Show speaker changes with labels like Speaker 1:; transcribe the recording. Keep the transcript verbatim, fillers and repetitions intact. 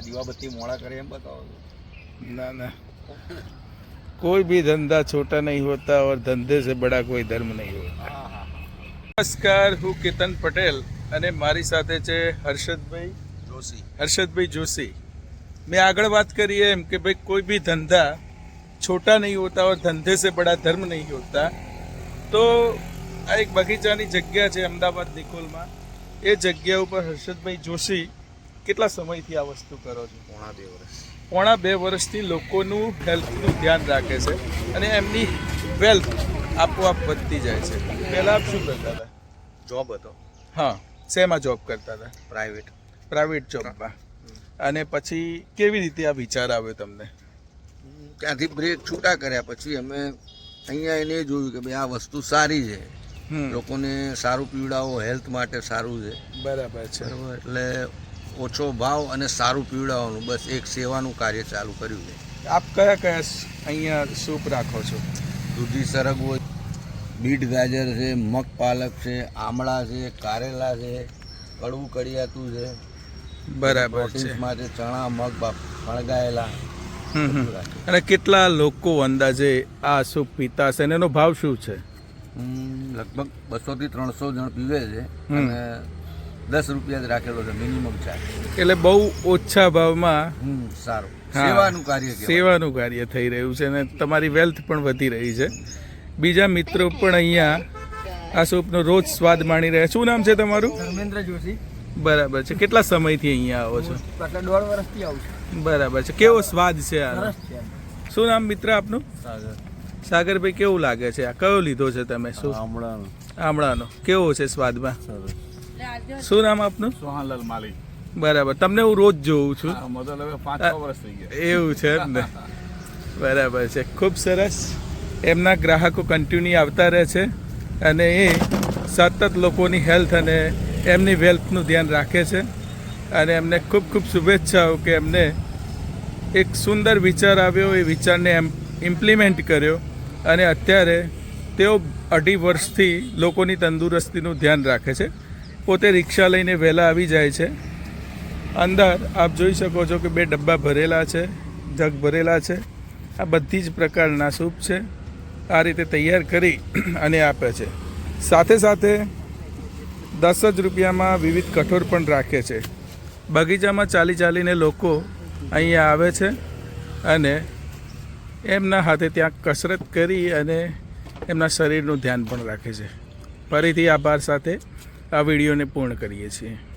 Speaker 1: દીવાબત્તી મોડા કરે એમ બતાવો
Speaker 2: ना ना कोई भी धंधा छोटा नहीं होता और धंधे से बड़ा कोई धर्म नहीं होता।
Speaker 1: હા હા
Speaker 2: નમસ્કાર, હું કેતન પટેલ અને મારી સાથે છે હર્ષદભાઈ
Speaker 1: જોશી
Speaker 2: હર્ષદભાઈ જોશી। મેં આગળ વાત કરી એમ કે ભાઈ કોઈ भी धंधा छोटा नहीं होता और धंधे से बड़ा धर्म नहीं होता। तो આ એક બગીચાની જગ્યા છે અમદાવાદ નિકોલમાં। એ જગ્યા ઉપર હર્ષદભાઈ જોશી કેટલા સમયથી આ વસ્તુ કરો છો?
Speaker 1: પોણા બે વર્ષ
Speaker 2: પોણા બે વર્ષથી લોકોનું હેલ્થનું ધ્યાન રાખે છે અને એમની વેલ્થ આપોઆપ વધતી જાય છે। પહેલાં આપ શું કરતા હતા?
Speaker 1: જોબ હતો
Speaker 2: હા, શેમાં જોબ કરતા હતા?
Speaker 1: પ્રાઇવેટ
Speaker 2: પ્રાઇવેટ જોબમાં। અને પછી કેવી રીતે આ વિચાર આવ્યો તમને?
Speaker 1: ત્યાંથી બ્રેક છૂટા કર્યા પછી અમે અહીંયા એને જોયું કે ભાઈ આ વસ્તુ સારી છે,
Speaker 2: હમ
Speaker 1: લોકોને સારું પીવડાવો, હેલ્થ માટે સારું છે
Speaker 2: બરાબર છે।
Speaker 1: બરાબર, એટલે ઓછો ભાવ અને સારું પીવડાવવાનું, બસ એક સેવાનું કાર્ય ચાલુ કર્યું છે।
Speaker 2: આપ કયા કયા અહીંયા સૂપ રાખો છો?
Speaker 1: દૂધી સરગવો, બીટ ગાજર છે, મગ પાલક છે, આમળા છે, કારેલા છે, કડવું કડિયાતું છે,
Speaker 2: બરાબર છે।
Speaker 1: પ્રોટીન્સ માટે ચણા, મગ બાપ ફણગાયેલા
Speaker 2: હમ હમ
Speaker 1: બધું રાખે।
Speaker 2: અને કેટલા લોકો અંદાજે આ સૂપ પીતા હશે અને એનો ભાવ શું છે?
Speaker 1: હમ, લગભગ બસો થી ત્રણસો જણ પીવે છે
Speaker 2: હમ.
Speaker 1: અને દસ રૂપિયા જ રાખેલો છે મિનિમમ ચાર્જ।
Speaker 2: એટલે બહુ ઓછા ભાવમાં
Speaker 1: હમ, સારું
Speaker 2: હા,
Speaker 1: સેવાનું કાર્ય કહેવાય।
Speaker 2: સેવાનું કાર્ય થઈ રહ્યું છે અને તમારી વેલ્થ પણ વધી રહી છે। બીજા મિત્રો પણ અહીંયા આ સૂપનો રોજ સ્વાદ માણી રહ્યા। શું નામ છે તમારું?
Speaker 3: ધર્મેન્દ્ર જોશી।
Speaker 2: બરાબર છે। કેટલા સમયથી અહીંયા આવો છો?
Speaker 3: એટલે દોઢ વર્ષથી આવું છું।
Speaker 2: બરાબર છે। કેવો સ્વાદ છે આનો?
Speaker 3: સરસ છે।
Speaker 2: શું નામ મિત્ર આપનું? સાગરભાઈ, કેવું લાગે છે આ? કયો લીધો છે તમે? શું?
Speaker 1: આમળાનું
Speaker 2: આમળાનો કેવો છે સ્વાદમાં?
Speaker 1: સરસ।
Speaker 2: શું નામ આપનું?
Speaker 4: સોહાનલાલ માલી।
Speaker 2: બરાબર। તમને હું રોજ જોઉં છું।
Speaker 4: મતલબ હવે પાંચ છ વર્ષ થઈ ગયા।
Speaker 2: એવું છે એમ ને? બરાબર છે। ખૂબ સરસ। એમના ગ્રાહકો કન્ટિન્યુ આવતા રહે છે અને એ સતત લોકોની હેલ્થ અને એમની વેલ્થનું ધ્યાન રાખે છે અને એમને ખૂબ ખૂબ શુભેચ્છાઓ કે એમને એક સુંદર વિચાર આવ્યો, એ વિચારને એમ ઇમ્પ્લિમેન્ટ કર્યો અને અત્યારે તેઓ અઢી વર્ષથી લોકોની તંદુરસ્તીનું ધ્યાન રાખે છે। પોતે રિક્ષા લઈને વહેલા આવી જાય છે। અંદર આપ જોઈ શકો છો કે બે ડબ્બા ભરેલા છે, જગ ભરેલા છે। આ બધી જ પ્રકારના સૂપ છે, આ રીતે તૈયાર કરી અને આપે છે। સાથે સાથે દસ જ રૂપિયામાં વિવિધ કઠોળ પણ રાખે છે। બગીચામાં ચાલી ચાલીને લોકો અહીંયા આવે છે અને એમના હાથે ત્યાં કસરત કરી અને એમના શરીરનું ધ્યાન પણ રાખે છે। ફરીથી આભાર સાથે આ વિડીયોને પૂર્ણ કરીએ છીએ।